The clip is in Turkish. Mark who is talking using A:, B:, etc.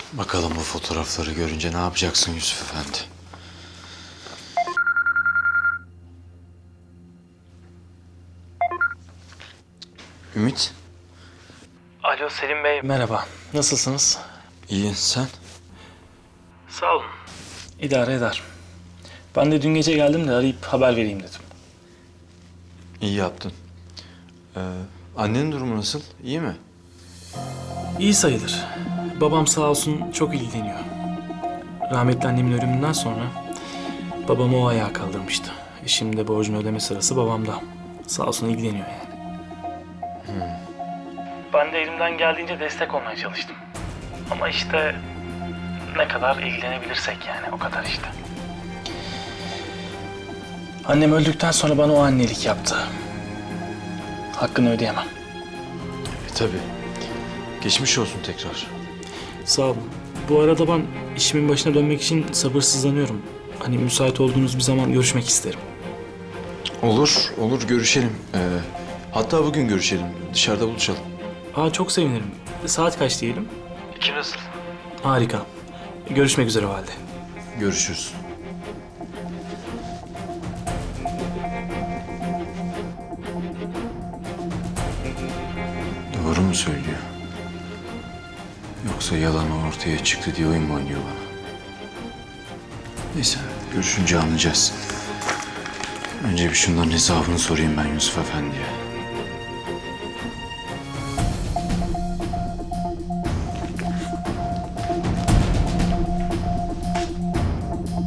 A: Bakalım bu fotoğrafları görünce ne yapacaksın Yusuf Efendi? Ümit,
B: Alo Selim Bey. Merhaba. Nasılsınız?
A: iyi sen?
B: Sağ olun. İdare eder. Ben de dün gece geldim de arayıp haber vereyim dedim.
A: İyi yaptın. Annenin durumu nasıl? İyi mi?
B: İyi sayılır. Babam sağ olsun çok ilgileniyor. Rahmetli annemin ölümünden sonra babamı o ayağa kaldırmıştı. Şimdi borcunu ödeme sırası babamda. Sağ olsun ilgileniyor yani. Ben de elimden geldiğince destek olmaya çalıştım. Ama işte ne kadar ilgilenebilirsek yani o kadar işte. Annem öldükten sonra bana o annelik yaptı. Hakkını ödeyemem.
A: Tabii. Geçmiş olsun tekrar.
B: Sağ olun. Bu arada ben işimin başına dönmek için sabırsızlanıyorum. Hani müsait olduğunuz bir zaman görüşmek isterim.
A: Olur görüşelim. Hatta bugün görüşelim. Dışarıda buluşalım.
B: Çok sevinirim. Saat kaç diyelim?
A: Kim nasıl?
B: Harika. Görüşmek üzere o halde.
A: Görüşürüz. Doğru mu söylüyor? Yoksa yalan ortaya çıktı diye oyun mu oynuyor bana? Neyse, görüşünce anlayacağız. Önce bir şunların hesabını sorayım ben Yusuf Efendi'ye.